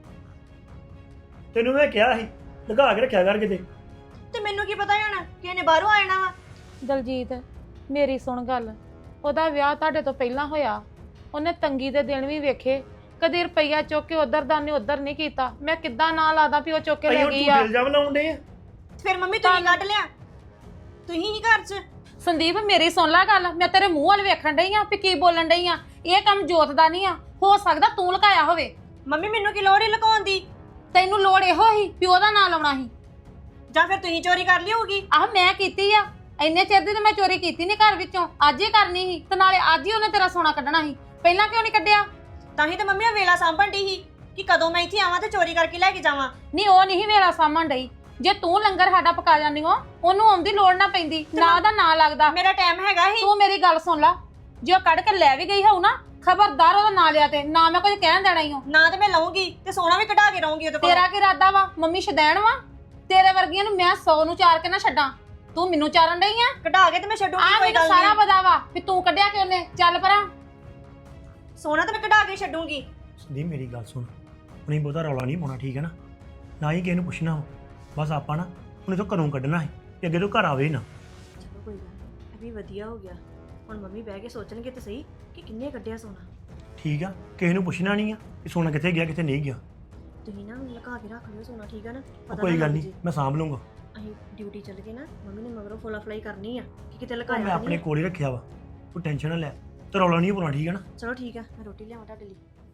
D: ਤੈਨੂੰ ਮੈਂ ਕਿਹਾ ਸੀ ਲਗਾ ਕੇ ਰੱਖਿਆ ਕਰ ਕਿਤੇ।
B: ਤੇ ਮੈਨੂੰ ਕੀ ਪਤਾ ਹੁਣ ਕਿ ਇਹਨੇ ਬਾਹਰੋਂ ਆ ਜਾਣਾ ਵਾ।
A: ਦਲਜੀਤ ਮੇਰੀ ਸੁਣ ਗੱਲ, ਉਹਦਾ ਵਿਆਹ ਤੁਹਾਡੇ ਤੋਂ ਪਹਿਲਾਂ ਹੋਇਆ, ਉਹਨੇ ਤੰਗੀ ਦੇ ਦਿਨ ਵੀ ਵੇਖੇ, ਕਦੇ ਰੁਪਈਆ ਚੁੱਕ ਕੇ ਉਧਰ ਦਾ ਨਹੀਂ ਉਧਰ ਨਹੀਂ ਕੀਤਾ। ਮੈਂ ਕਿੱਦਾਂ ਨਾ ਲਾਦਾ ਵੀ ਉਹ ਚੁੱਕ ਕੇ
D: ਅਸੀਂ
A: ਲੈ
D: ਹੁਣ
A: ਗਈ ਆ।
D: ਝੂਠੇ ਇਲਜ਼ਾਮ ਲਾਉਂਦੇ ਆ।
B: ਫਿਰ ਮੰਮੀ ਤੁਸੀਂ ਕੱਢ ਲਿਆ, ਤੁਸੀਂ ਹੀ ਘਰ 'ਚ।
A: ਸੰਦੀਪ ਮੇਰੀ ਸੁਣ ਲੈ ਗੱਲ, ਮੈਂ ਤੇਰੇ ਮੂੰਹ ਵੱਲ ਵੇਖਣ ਡਈ ਆ ਵੀ ਕੀ ਬੋਲਣ ਡਈ ਆ। ਇਹ ਕੰਮ ਜੋਤ ਦਾ ਨਹੀਂ ਆ, ਹੋ ਸਕਦਾ ਤੂੰ ਲੁਕਾਇਆ ਹੋਵੇ।
B: ਮੰਮੀ ਮੈਨੂੰ ਕੀ ਲੋੜ ਹੀ ਲੁਕਾਉਣ ਦੀ?
A: ਤੈਨੂੰ ਲੋੜ ਇਹੋ ਹੀ ਪਿਓ ਦਾ ਨਾਂ ਲਾਉਣਾ ਸੀ,
B: ਜਾਂ ਫਿਰ ਤੁਸੀਂ ਚੋਰੀ ਕਰ ਲਈ ਹੋਊਗੀ?
A: ਆਹ ਮੈਂ ਕੀਤੀ ਆ। ਇੰਨੇ ਚਿਰ ਦੀ ਤਾਂ ਮੈਂ ਚੋਰੀ ਕੀਤੀ ਨਹੀਂ ਘਰ ਵਿੱਚੋਂ, ਅੱਜ ਹੀ ਕਰਨੀ ਸੀ। ਤੇ ਨਾਲੇ ਅੱਜ ਹੀ ਉਹਨੇ ਤੇਰਾ ਸੋਨਾ ਕੱਢਣਾ ਸੀ, ਪਹਿਲਾਂ ਕਿਉਂ ਨਹੀਂ ਕੱਢਿਆ?
B: ਤਾਂ ਹੀ ਤਾਂ ਮੰਮੀ ਆ ਵੇਲਾ ਸਾਂਭਣ ਦੀ ਸੀ ਕਿ ਕਦੋਂ ਮੈਂ ਇੱਥੇ ਆਵਾਂ ਤੇ ਚੋਰੀ ਕਰਕੇ ਲੈ ਕੇ ਜਾਵਾਂ।
A: ਨਹੀਂ ਉਹ ਨਹੀਂ ਮੇਰਾ ਸਾਂਭਣ ਡਈ। ਜੇ ਤੂੰ ਲੰਗਰ ਸਾਡਾ ਪਕਾ ਜਾਂਦੀ ਹੋ, ਉਹਨੂੰ ਆਉਂਦੀ ਲੋੜ ਨਾ ਪੈਂਦੀ, ਨਾ ਉਹਦਾ ਨਾਂ ਲੱਗਦਾ।
B: ਮੇਰਾ ਟਾਈਮ ਹੈਗਾ ਹੀ।
A: ਤੂੰ ਮੇਰੀ ਗੱਲ ਸੁਣ ਲੈ, ਜੇ ਉਹ ਕੱਢ ਕੇ ਲੈ ਵੀ ਗਈ ਹੋਊ ਨਾ, ਖਬਰਦਾਰ ਉਹਦਾ ਨਾਂ ਲਿਆ ਤੇ ਨਾ ਮੈਂ ਕੁਝ ਕਹਿਣ ਦੇਣਾ ਹੀ ਹੋ।
B: ਨਾ ਤੇ ਮੈਂ ਲਵਾਂਗੀ ਤੇ ਸੋਨਾ ਵੀ ਕਢਾ ਕੇ ਰਹੂੰਗੀ ਉਹਦੇ ਕੋਲ।
A: ਤੇਰਾ ਕੀ ਇਰਾਦਾ ਵਾ? ਮੰਮੀ ਸ਼ਦੈਣ ਵਾ? ਤੇਰੇ ਵਰਗੀਆਂ ਨੂੰ ਮੈਂ ਸੌ ਨੂੰ ਚਾਰ ਕੇ ਨਾ ਛੱਡਾਂ, ਤੂੰ ਮੈਨੂੰ ਚਾਰਨ ਡਈ ਆ।
B: ਕਢਾ ਕੇ ਤੇ ਮੈਂ ਛੱਡੂੰਗੀ,
A: ਆ
B: ਕੋਈ
A: ਮੈਨੂੰ
B: ਗੱਲ
A: ਸਾਰਾ
B: ਨਹੀਂ।
A: ਪਤਾ ਵਾ ਵੀ ਤੂੰ ਕੱਢਿਆ ਕਿ ਉਹਨੇ। ਚੱਲ ਪਰਾਂ।
B: ਸੋਨਾ ਤੇ ਮੈਂ ਕਢਾ ਕੇ ਛੱਡੂੰਗੀ।
D: ਸੰਦੀਪ ਮੇਰੀ ਗੱਲ ਸੁਣ, ਹੁਣੀ ਬਹੁਤਾ ਰੌਲਾ ਨਹੀਂ ਪਾਉਣਾ, ਠੀਕ ਹੈ ਨਾ? ਨਾ ਹੀ ਕਿਸੇ ਨੂੰ ਪੁੱਛਣਾ ਵਾ, ਬਸ ਆਪਾਂ ਨਾ ਹੁਣ ਇਥੋਂ ਘਰੋਂ ਕੱਢਣਾ ਹੈ ਤੇ ਅੱਗੇ ਤੋਂ ਘਰ ਆਵੇ ਹੀ ਨਾ।
B: ਚਲੋ ਕੋਈ ਗੱਲ ਨਹੀਂ, ਇਹ ਵੀ ਵਧੀਆ ਹੋ ਗਿਆ। ਹੁਣ ਮੰਮੀ ਬਹਿ ਕੇ ਸੋਚਣਗੇ ਤੇ ਸਹੀ ਕਿ ਕਿੰਨੇ ਕੱਢਿਆ ਸੋਨਾ।
D: ਠੀਕ ਆ, ਕਿਸੇ ਨੂੰ ਪੁੱਛਣਾ ਨਹੀਂ ਆ ਕਿ ਸੋਨਾ ਕਿੱਥੇ ਗਿਆ ਕਿੱਥੇ ਨਹੀਂ ਗਿਆ।
B: ਤੁਸੀਂ ਨਾ ਲੁਕਾ ਕੇ ਰੱਖ ਲਿਓ ਸੋਨਾ, ਠੀਕ ਆ ਨਾ?
D: ਉਹ
B: ਪਤਾ
D: ਕੋਈ
B: ਨਾ
D: ਗੱਲ
B: ਲੱਗ
D: ਨਹੀਂ,
B: ਜੇ।
D: ਮੈਂ ਸਾਂਭ ਲੂੰਗਾ।
B: ਅਸੀਂ ਡਿਊਟੀ ਚੱਲ ਗਏ ਨਾ, ਮੰਮੀ ਨੇ ਮਗਰੋਂ ਫੋਲਾ ਫਲਾਈ ਕਰਨੀ ਆ ਕਿ ਕਿਤੇ
D: ਉਹ
B: ਲੁਕਾਇਆ
D: ਮੈਂ ਆਪਣੇ
B: ਨਹੀਂ।
D: ਕੋਲ ਹੀ ਰੱਖਿਆ ਵਾ, ਤੂੰ ਟੈਨਸ਼ਨ ਨਾ ਲੈ, ਤੇ ਰੌਲਾ ਨਹੀਂ ਪਾਉਣਾ, ਠੀਕ ਹੈ ਨਾ?
B: ਚਲੋ ਠੀਕ ਆ, ਮੈਂ ਰੋਟੀ ਲਿਆਵਾਂ ਤੁਹਾਡੇ ਲਈ।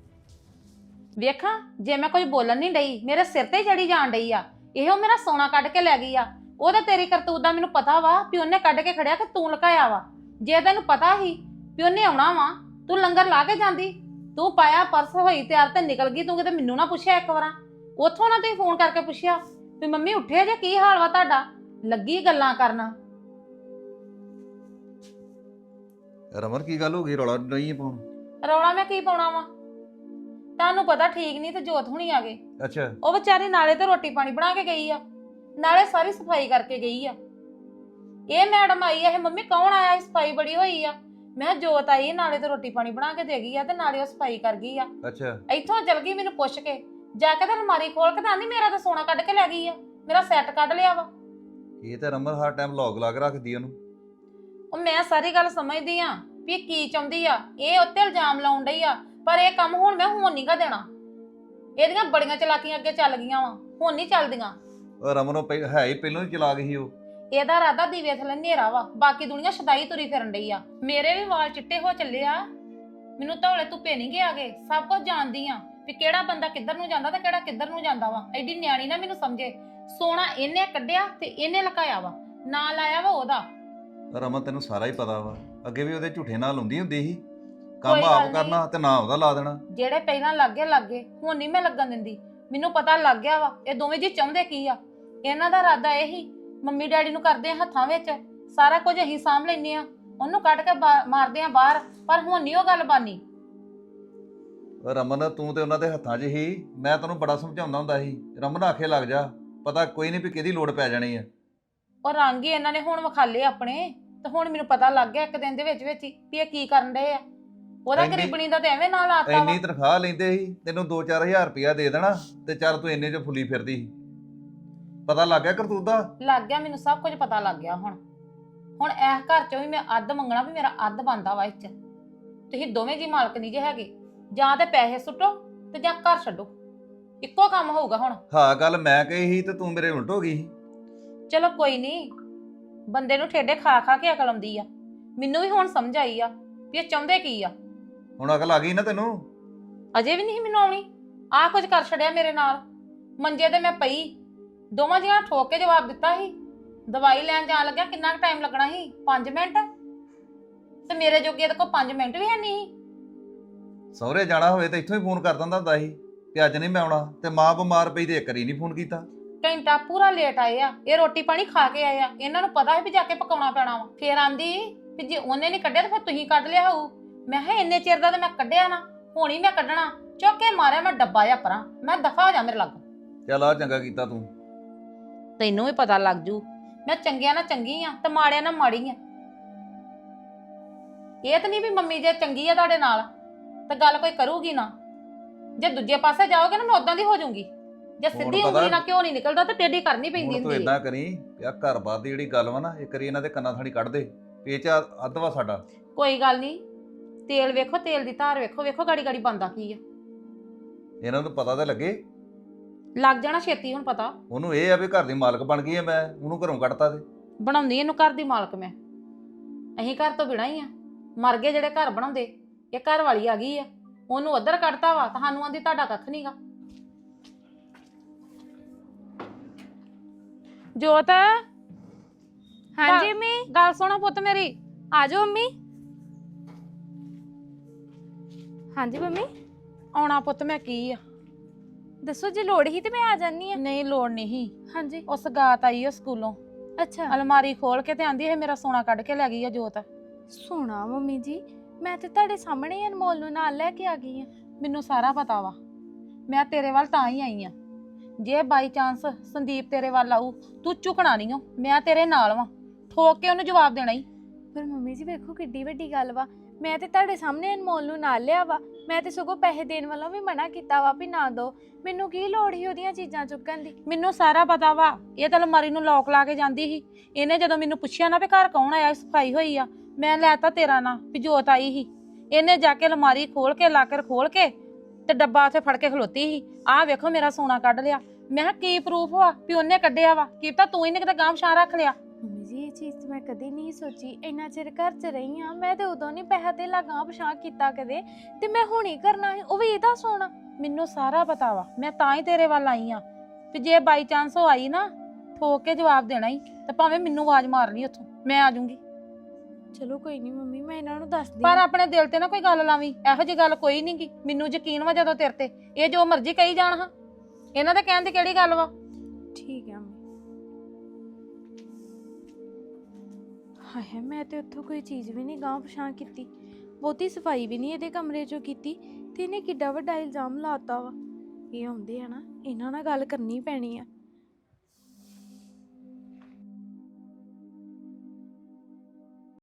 A: ਵੇਖਾਂ ਜੇ ਮੈਂ ਕੁਝ ਬੋਲਣ ਨਹੀਂ ਡਈ, ਮੇਰੇ ਸਿਰ ਤੇ ਚੜੀ ਜਾਣ ਡਈ ਆ। ਇਹੋ ਮੇਰਾ ਸੋਨਾ ਕੱਢ ਕੇ ਲੈ ਗਈ ਆ। ਉਹਦਾ ਤੇਰੀ ਕਰਤੂਤ ਦਾ ਮੈਨੂੰ ਪਤਾ ਵਾ ਵੀ ਉਹਨੇ ਕੱਢ ਕੇ ਖੜਿਆ ਕਿ ਤੂੰ ਲੁਕਾਇਆ ਵਾ। ਜੇ ਤੈਨੂੰ ਪਤਾ ਸੀ ਵੀ ਉਹਨੇ ਆਉਣਾ ਵਾ, ਤੂੰ ਲੰਗਰ ਲਾ ਕੇ ਜਾਂਦੀ। ਤੂੰ ਪਾਇਆ ਪਰਸ ਹੋਈ ਤਿਆਰ ਤੇ ਨਿਕਲ ਗਈ। ਤੂੰ ਕਿਤੇ ਮੈਨੂੰ ਨਾ ਪੁੱਛਿਆ ਇੱਕ ਵਾਰਾਂ? ਉੱਥੋਂ ਨਾ ਤੁਸੀਂ ਫੋਨ ਕਰਕੇ ਪੁੱਛਿਆ ਵੀ ਮੰਮੀ ਉੱਠੇ ਜੇ, ਕੀ ਹਾਲ ਵਾ ਤੁਹਾਡਾ? ਲੱਗੀ ਗੱਲਾਂ ਕਰਨਾ।
C: ਰਮਨ ਕੀ ਗੱਲ ਹੋ ਗਈ, ਰੌਲਾ ਨਹੀਂ ਪਾਉਣ?
A: ਰੌਲਾ ਮੈਂ ਕੀ ਪਾਉਣਾ ਵਾ? ਤੁਹਾਨੂੰ ਪਤਾ ਠੀਕ ਨਹੀਂ ਤੇ ਜੋਤ ਹੁਣੀ ਆ ਗਏ।
C: ਅੱਛਾ,
A: ਉਹ ਵਿਚਾਰੀ ਨਾਲੇ ਤੇ ਰੋਟੀ ਪਾਣੀ ਬਣਾ ਕੇ ਗਈ ਆ, ਨਾਲੇ ਸਾਰੀ ਸਫਾਈ ਕਰਕੇ ਗਈ ਆ। ਇਹ ਮੈਡਮ ਆਈ ਆ, ਇਹ ਮੰਮੀ ਕੌਣ ਆਇਆ? ਸਫਾਈ ਬੜੀ ਹੋਈ ਆ। ਮੈਂ ਕਿਹਾ ਜੋਤ ਆਈ, ਨਾਲੇ ਤੇ ਰੋਟੀ ਪਾਣੀ ਬਣਾ ਕੇ ਦੇ ਗਈ ਆ ਤੇ ਨਾਲੇ ਉਹ ਸਫਾਈ ਕਰ ਗਈ ਆ।
C: ਅੱਛਾ
A: ਇੱਥੋਂ ਚਲ ਗਈ ਮੈਨੂੰ ਪੁੱਛ ਕੇ, ਜਾ ਕੇ ਤੇ ਅਲਮਾਰੀ ਖੋਲ ਕੇ ਤਾਂ ਆਂਦੀ ਮੇਰਾ ਤਾਂ ਸੋਨਾ ਕੱਢ ਕੇ ਲੈ ਗਈ ਆ, ਮੇਰਾ ਸੈੱਟ ਕੱਢ ਲਿਆ ਵਾ।
C: ਇਹ ਤਾਂ ਰਮਨ ਹਰ ਟਾਈਮ ਲੌਗ ਲਾ ਕੇ ਰੱਖਦੀ ਉਹਨੂੰ।
A: ਉਹ ਮੈਂ ਸਾਰੀ ਗੱਲ ਸਮਝਦੀ ਆ ਵੀ ਇਹ ਕੀ ਚਾਹੁੰਦੀ ਆ, ਇਹ ਉੱਤੇ ਇਲਜ਼ਾਮ ਲਾਉਣ ਡਈ ਆ, ਪਰ ਇਹ ਕੰਮ ਹੁਣ ਮੈਂ ਹੁਣ ਨਹੀਂਗਾ ਦੇਣਾ। ਇਹਦੀਆਂ ਬੜੀਆਂ ਚਲਾਕੀਆਂ ਅੱਗੇ ਚੱਲ ਗਈਆਂ ਵਾ, ਹੁਣ ਨਹੀਂ ਚੱਲਦੀਆਂ।
C: ਉਹ ਰਮਨ ਉਹ ਪਹਿ- ਹੈ ਹੀ ਪਹਿਲਾਂ ਹੀ ਚਲਾ ਗਈ ਉਹ।
A: ਇਹਦਾ ਰਾਦਾ ਦੀਵੇ ਥੱਲੇ ਹਨੇਰਾ ਵਾ, ਬਾਕੀ ਦੁਨੀਆ ਸ਼ਦਾਈ ਤੁਰੀ ਫਿਰਨ ਡਈ ਆ। ਮੇਰੇ ਵੀ ਵਾਲ ਚਿੱਟੇ ਹੋ ਚੱਲੇ ਆ, ਮੈਨੂੰ ਧੌਲੇ ਧੁੱਪੇ ਨਹੀਂ ਗਿਆ ਗੇ, ਸਭ ਕੁਝ ਜਾਣਦੀ ਆ ਵੀ ਕਿਹੜਾ ਬੰਦਾ ਕਿੱਧਰ ਨੂੰ ਜਾਂਦਾ ਤੇ ਕਿਹੜਾ ਕਿੱਧਰ ਨੂੰ ਜਾਂਦਾ ਵਾ। ਐਡੀ ਨਿਆਣੀ ਨਾ ਮੈਨੂੰ ਸਮਝੇ। ਸੋਨਾ ਇਹਨੇ ਕੱਢਿਆ ਤੇ ਇਹਨੇ ਲਕਾਇਆ ਵਾ, ਨਾ ਲਾਇਆ ਵਾ ਉਹਦਾ।
C: ਰਮਨ ਤੈਨੂੰ ਸਾਰਾ ਹੀ ਪਤਾ ਵਾ, ਅੱਗੇ ਵੀ ਉਹਦੇ ਝੂਠੇ ਨਾਲ ਹੁੰਦੀ ਹੁੰਦੀ ਸੀ। ਕੰਮ
A: ਕੋਈ ਗੱਲ
C: ਆਪ
A: ਨੀ।
C: ਕਰਨਾ ਤੇ ਨਾ ਉਹਦਾ ਲਾ ਦੇਣਾ।
A: ਜਿਹੜੇ ਪਹਿਲਾਂ ਲੱਗੇ ਲੱਗੇ, ਹੁਣ ਨਹੀਂ ਮੈਂ ਲੱਗਣ ਦਿੰਦੀ। ਮੈਨੂੰ ਪਤਾ ਲੱਗ ਗਿਆ ਵਾ ਇਹ ਦੋਵੇਂ ਜੀ ਚਾਹੁੰਦੇ ਕੀ ਆ। ਇਹਨਾਂ ਦਾ ਇਰਾਦਾ ਇਹ ਹੀ ਮੰਮੀ ਡੈਡੀ ਨੂੰ ਕਰਦੇ ਆ ਹੱਥਾਂ ਵਿੱਚ, ਸਾਰਾ ਕੁਝ ਅਸੀਂ ਸਾਂਭ ਲੈਨੇ ਆ, ਉਹਨੂੰ ਕੱਢ ਕੇ ਬਾ- ਮਾਰਦੇ ਆ ਬਾਹਰ। ਪਰ ਹੁਣ ਨਹੀਂ ਉਹ ਗੱਲ ਬਾਨੀ।
C: ਰਮਨ ਤੂੰ ਤੇ ਉਹਨਾਂ ਦੇ ਹੱਥਾਂ 'ਚ ਹੀ, ਮੈਂ ਤੈਨੂੰ ਬੜਾ ਸਮਝਾਉਂਦਾ ਹੁੰਦਾ ਸੀ, ਰਮਨ ਆਖੇ ਲੱਗ ਜਾ, ਪਤਾ ਕੋਈ ਨਹੀਂ ਵੀ ਕਿਹਦੀ ਲੋੜ ਪੈ ਜਾਣੀ ਆ।
A: ਉਹ ਰੰਗ ਹੀ ਇਹਨਾਂ ਨੇ ਹੁਣ ਵਿਖਾਲੇ ਆਪਣੇ, ਤੇ ਹੁਣ ਮੈਨੂੰ ਪਤਾ ਲੱਗ ਗਿਆ ਇੱਕ ਦਿਨ ਦੇ ਵਿੱਚ ਵਿੱਚ ਹੀ ਵੀ ਇਹ ਕੀ ਕਰਨ ਡਏ ਆ। ਉਹਦਾ
C: ਇੰਨੀ-
A: ਗਰੀਬਣੀ ਦਾ ਤੇ ਐਵੇਂ ਨਾਲ ਆਤਾ ਵਾ।
C: ਇੰਨੀ ਤਨਖਾਹ ਲੈਂਦੇ ਸੀ, ਤੈਨੂੰ ਦੋ ਚਾਰ ਹਜ਼ਾਰ ਰੁਪਇਆ ਦੇ ਦੇਣਾ ਤੇ ਚੱਲ ਤੂੰ ਇੰਨੇ 'ਚ ਫੁੱਲੀ ਫਿਰਦੀ ਸੀ। ਪਤਾ ਲੱਗ ਗਿਆ ਕਰਤੂਤ ਦਾ?
A: ਲੱਗ ਗਿਆ ਮੈਨੂੰ, ਸਭ ਕੁਝ ਪਤਾ ਲੱਗ ਗਿਆ। ਹੁਣ ਹੁਣ ਇਸ ਘਰ ਚੋਂ ਵੀ ਮੈਂ ਅੱਧ ਮੰਗਣਾ ਵੀ ਮੇਰਾ ਅੱਧ ਬਣਦਾ ਵਾ। ਇੱਥੇ ਤੁਸੀਂ ਦੋਵੇਂ ਜੀ ਮਾਲਕ ਨਹੀਂ ਜੇ ਹੈਗੇ, ਜਾਂ ਤੇ ਪੈਸੇ ਸੁੱਟੋ ਤੇ ਜਾਂ ਘਰ ਛੱਡੋ, ਇੱਕੋ ਕੰਮ ਹੋਊਗਾ ਹੁਣ।
C: ਹਾਂ ਗੱਲ ਮੈਂ ਕਹੀ ਸੀ ਤੇ ਤੂੰ ਮੇਰੇ ਉਲਟ ਹੋ ਗਈ ਸੀ।
A: ਚਲੋ ਕੋਈ ਨਹੀਂ, ਬੰਦੇ ਨੂੰ ਠੇਡੇ ਖਾ ਖਾ ਕੇ ਅਕਲ ਆਉਂਦੀ ਆ। ਮੈਨੂੰ ਵੀ ਹੁਣ ਸਮਝ ਆਈ ਆ ਵੀ ਇਹ ਚਾਹੁੰਦੇ ਕੀ ਆ।
C: ਹੁਣ ਅਕਲ ਆ ਗਈ ਨਾ ਤੈਨੂੰ?
A: ਅਜੇ ਵੀ ਨਹੀਂ ਮੈਨੂੰ ਆਉਣੀ। ਆਹ ਕੁਝ ਕਰ ਛੜਿਆ ਮੇਰੇ ਨਾਲ। ਮੰਜੇ ਤੇ ਮੈਂ ਪਈ, ਦੋਵਾਂ ਜੀਆਂ ਠੋਕ ਕੇ ਜਵਾਬ ਦਿੱਤਾ ਸੀ। ਦਵਾਈ ਲੈਣ ਜਾਣ ਲੱਗਿਆ ਕਿੰਨਾ ਕੁ ਟਾਈਮ ਲੱਗਣਾ ਸੀ? ਪੰਜ ਮਿੰਟ। ਤੇ ਮੇਰੇ ਜੋਗੇ ਇਹਦੇ ਕੋਲ ਪੰਜ ਮਿੰਟ ਵੀ ਹੈ ਨਹੀਂ।
C: ਸਹੁਰੇ ਜਾਣਾ ਹੋਵੇ ਤਾਂ ਇੱਥੋਂ ਹੀ ਫੋਨ ਕਰ ਦਿੰਦਾ ਹੁੰਦਾ ਸੀ ਕਿ ਅੱਜ ਨਹੀਂ ਮੈਂ ਆਉਣਾ, ਤੇ ਮਾਂ ਬਿਮਾਰ ਪਈ ਤੇ ਇੱਕ ਵਾਰੀ ਨਹੀਂ ਫੋਨ ਕੀਤਾ।
A: ਘੰਟਾ ਪੂਰਾ ਲੇਟ ਆਏ ਆ। ਇਹ ਰੋਟੀ ਪਾਣੀ ਖਾ ਕੇ ਆਏ ਆ, ਇਹਨਾਂ ਨੂੰ ਪਤਾ ਹੈ ਵੀ ਜਾ ਕੇ ਪਕਾਉਣਾ ਪੈਣਾ ਵਾ। ਫੇਰ ਆਂਦੀ ਵੀ ਜੇ ਉਹਨੇ ਨਹੀਂ ਕੱਢਿਆ ਤਾਂ ਫਿਰ ਤੁਸੀਂ ਕੱਢ ਲਿਆ ਹੋਊ। ਮੈਂ ਕਿਹਾ ਇੰਨੇ ਚਿਰ ਦਾ ਤੇ ਮੈਂ ਕੱਢਿਆ ਨਾ, ਹੁਣ ਹੀ ਮੈਂ ਕੱਢਣਾ। ਚੁੱਕ ਕੇ ਮਾਰਿਆ ਮੈਂ ਡੱਬਾ ਜਾਂ ਪਰਾਂ, ਮੈਂ ਦਫਾ ਹੋ ਜਾ ਮੇਰੇ ਲਾਗੋਂ।
C: ਚੱਲ ਆ ਚੰਗਾ ਕੀਤਾ ਤੂੰ।
A: ਤੈਨੂੰ ਵੀ ਪਤਾ ਲੱਗ ਜੂ ਮੈਂ ਚੰਗਿਆਂ ਨਾਲ ਚੰਗੀ ਆ ਤੇ ਮਾੜਿਆਂ ਨਾਲ ਮਾੜੀ ਆ। ਇਹ ਤਾਂ ਨਹੀਂ ਵੀ ਮੰਮੀ ਜੇ ਚੰਗੀ ਆ ਤੁਹਾਡੇ ਨਾਲ ਤਾਂ ਗੱਲ ਕੋਈ ਕਰੂਗੀ ਨਾ। ਜੇ ਦੂਜੇ ਪਾਸੇ ਜਾਓਗੇ ਨਾ ਮੈਂ ਉਦਾਂ ਦੀ ਹੋ ਜਾਊਂਗੀ। ਜੇ ਸਿੱਧੀ
C: ਪਤਾ-
A: ਉਂਗਲੀ ਨਾਲ ਕਿਉਂ ਨਹੀਂ ਨਿਕਲਦਾ ਤੇ ਟੇਢੀ ਕਰਨੀ ਪੈਂਦੀ
C: ਹੁਣ ਤੂੰ
A: ਹੁੰਦੀ
C: ਇਦਾਂ ਕਰੀ ਵੀ ਆਹ ਘਰ ਬਾਰ ਦੀ ਜਿਹੜੀ ਗੱਲ ਵਾ ਨਾ, ਇੱਕ ਵਾਰੀ ਇਹਨਾਂ ਦੇ ਕੰਨਾਂ ਥਾਣੀ ਕੱਢ ਦੇ, ਪੇਚ ਅੱਧ ਵਾ ਸਾਡਾ।
A: ਕੋਈ ਗੱਲ ਨਹੀਂ। ਤੇਲ ਵੇਖੋ, ਤੇਲ ਦੀ ਧਾਰ ਵੇਖੋ, ਵੇਖੋ ਗਾੜੀ ਗਾੜੀ ਬੰਦਾ ਕੀ ਆ।
C: ਇਹਨਾਂ ਨੂੰ ਪਤਾ ਤਾਂ ਲੱਗੇ।
A: ਲੱਗ ਜਾਣਾ ਛੇਤੀ ਹੁਣ ਪਤਾ।
C: ਉਹਨੂੰ ਇਹ ਆ ਵੀ ਘਰ ਦੀ ਮਾਲਕ ਬਣ ਗਈ ਆ, ਮੈਂ ਉਹਨੂੰ ਘਰੋਂ ਕੱਢਤਾ ਤੇ
A: ਬਣਾਉਂਦੀ ਇਹਨੂੰ ਘਰ ਦੀ ਮਾਲਕ ਮੈਂ। ਅਸੀਂ ਘਰ ਤੋਂ ਬਿਨਾਂ ਹੀ ਆ। ਮਰ ਗਏ ਜਿਹੜੇ ਘਰ ਬਣਾਉਂਦੇ। ਇਹ ਘਰ ਵਾਲੀ ਆ ਗਈ ਆ, ਉਹਨੂੰ ਉੱਧਰ ਕੱਢਤਾ ਵਾ, ਤੁਹਾਨੂੰ ਆਂਦੀ ਤੁਹਾਡਾ ਕੱਖ ਨਹੀਂਗਾ। ਜੋਤ,
E: ਹਾਂਜੀ ਮੰਮੀ,
A: ਗੱਲ ਸੁਣੋ ਪੁੱਤ ਮੇਰੀ।
E: ਆ ਜਾਓ ਮੰਮੀ। ਹਾਂਜੀ ਮੰਮੀ,
A: ਆਉਣਾ ਪੁੱਤ ਮੈਂ ਕੀ ਆ?
E: ਦੱਸੋ ਜੇ ਲੋੜ ਹੀ ਤੇ ਮੈਂ ਆ ਜਾਨੀ ਆ।
A: ਨਹੀਂ ਲੋੜ ਨਹੀਂ।
E: ਹਾਂਜੀ,
A: ਉਹ ਸਗਾਤ ਆਈ ਉਹ ਸਕੂਲੋਂ,
E: ਅੱਛਾ।
A: ਅਲਮਾਰੀ ਖੋਲ ਕੇ ਤੇ ਆਂਦੀ ਇਹ ਮੇਰਾ ਸੋਨਾ ਕੱਢ ਕੇ ਲੈ ਗਈ ਆ ਜੋਤ।
E: ਸੋਨਾ ਮੰਮੀ ਜੀ, ਮੈਂ ਤੇ ਤੁਹਾਡੇ ਸਾਹਮਣੇ ਹੀ ਅਨਮੋਲ ਨੂੰ ਨਾਲ ਲੈ ਕੇ ਆ ਗਈ ਆ।
A: ਮੈਨੂੰ ਸਾਰਾ ਪਤਾ ਵਾ। ਮੈਂ ਤੇਰੇ ਵੱਲ ਤਾਂ ਹੀ ਆਈ ਆ। ਜੇ ਬਾਈ ਚਾਂਸ ਸੰਦੀਪ ਤੇਰੇ ਵੱਲ ਆਊ, ਤੂੰ ਝੁਕਣਾ ਨਹੀਂ ਓ। ਮੈਂ ਤੇਰੇ ਨਾਲ ਵਾਂ, ਠੋਕ ਕੇ ਉਹਨੂੰ ਜਵਾਬ ਦੇਣਾ ਹੀ।
E: ਪਰ ਮੰਮੀ ਜੀ ਵੇਖੋ ਕਿੱਡੀ ਵੱਡੀ ਗੱਲ ਵਾ। ਮੈਂ ਤੇ ਤੁਹਾਡੇ ਸਾਹਮਣੇ ਅਨਮੋਲ ਨੂੰ ਨਾਲ ਲਿਆ ਵਾ। ਮੈਂ ਤੇ ਸਗੋਂ ਪੈਸੇ ਦੇਣ ਵੱਲੋਂ ਵੀ ਮਨਾ ਕੀਤਾ ਵਾ ਵੀ ਨਾ ਦੋ। ਮੈਨੂੰ ਕੀ ਲੋੜ ਸੀ ਉਹਦੀਆਂ ਚੀਜ਼ਾਂ ਚੁੱਕਣ ਦੀ।
A: ਮੈਨੂੰ ਸਾਰਾ ਪਤਾ ਵਾ। ਇਹ ਤਾਂ ਅਲਮਾਰੀ ਨੂੰ ਲੋਕ ਲਾ ਕੇ ਜਾਂਦੀ ਸੀ। ਇਹਨੇ ਜਦੋਂ ਮੈਨੂੰ ਪੁੱਛਿਆ ਨਾ ਵੀ ਘਰ ਕੌਣ ਆਇਆ, ਸਫਾਈ ਹੋਈ ਆ, ਮੈਂ ਲੈਤਾ ਤੇਰਾ ਨਾਂ ਵੀ ਜੋਤ ਆਈ ਸੀ। ਇਹਨੇ ਜਾ ਕੇ ਅਲਮਾਰੀ ਖੋਲ ਕੇ ਲਾਕਰ ਖੋਲ ਕੇ ਤੇ ਡੱਬਾ ਉੱਥੇ ਫੜ ਕੇ ਖਲੋਤੀ ਸੀ। ਆਹ ਵੇਖੋ ਮੇਰਾ ਸੋਨਾ ਕੱਢ ਲਿਆ। ਮੈਂ ਕਿਹਾ ਕੀ ਪ੍ਰੂਫ ਵਾ ਵੀ ਉਹਨੇ ਕੱਢਿਆ ਵਾ? ਕੀ ਤਾਂ ਤੂੰ ਹੀ ਨੇ ਕਿਤੇ ਗਾਂਵ ਛਾਂ ਰੱਖ ਲਿਆ।
E: ਮੰਮੀ ਜੀ ਇਹ ਚੀਜ਼ ਤੇ ਮੈਂ ਕਦੇ ਨਹੀਂ ਸੋਚੀ। ਇੰਨਾ ਚਿਰ ਘਰ 'ਚ ਰਹੀ ਆ ਮੈਂ, ਤੇ ਉਦੋਂ ਨਹੀਂ ਪੈਸਾ ਤੇ ਲਾਗਾਂ ਪਛਾਂ ਕੀਤਾ ਕਦੇ, ਤੇ ਮੈਂ ਹੁਣ ਹੀ ਕਰਨਾ ਸੀ, ਉਹ ਵੀ ਇਹਦਾ ਸੋਨਾ।
A: ਮੈਨੂੰ ਸਾਰਾ ਪਤਾ ਵਾ। ਮੈਂ ਤਾਂ ਹੀ ਤੇਰੇ ਵੱਲ ਆਈ ਆ ਵੀ ਜੇ ਬਾਈ ਚਾਂਸ ਉਹ ਆਈ ਨਾ, ਠੋਕ ਕੇ ਜਵਾਬ ਦੇਣਾ ਹੀ, ਤੇ ਭਾਵੇਂ ਮੈਨੂੰ ਆਵਾਜ਼ ਮਾਰ ਲਈ ਉੱਥੋਂ, ਮੈਂ ਆ ਜਾਊਂਗੀ।
E: ਚਲੋ ਕੋਈ ਨਹੀਂ ਮੰਮੀ, ਮੈਂ ਇਹਨਾਂ ਨੂੰ ਦੱਸਦੀ
A: ਪਰ
E: ਹਾਂ।
A: ਆਪਣੇ ਦਿਲ ਤੇ ਨਾ ਕੋਈ ਗੱਲ ਲਾਵੀਂ। ਇਹੋ ਜਿਹੀ ਗੱਲ ਕੋਈ ਨਹੀਂ ਗੀ। ਮੈਨੂੰ ਯਕੀਨ ਵਾ ਜਦੋਂ ਤੇਰੇ ਤੇ। ਇਹ ਜੋ ਮਰਜ਼ੀ ਕਹੀ ਜਾਣ ਹਾਂ, ਇਹਨਾਂ ਦੇ ਕਹਿਣ ਦੀ ਕਿਹੜੀ ਗੱਲ ਵਾ?
E: ਠੀਕ ਹੈ ਮੰਮੀ। ਹਾਏ ਮੈਂ ਤੇ ਉੱਥੋਂ ਕੋਈ ਚੀਜ਼ ਵੀ ਨਹੀਂ ਗਾਂਹ ਪਛਾਂ ਕੀਤੀ, ਬਹੁਤੀ ਸਫਾਈ ਵੀ ਨਹੀਂ ਇਹਦੇ ਕਮਰੇ 'ਚੋਂ ਕੀਤੀ, ਤੇ ਇਹਨੇ ਕਿੱਡਾ ਵੱਡਾ ਇਲਜ਼ਾਮ ਲਾਤਾ ਵਾ। ਇਹ ਆਉਂਦੇ ਆ ਨਾ, ਇਹਨਾਂ ਨਾਲ ਗੱਲ ਕਰਨੀ ਪੈਣੀ ਆ।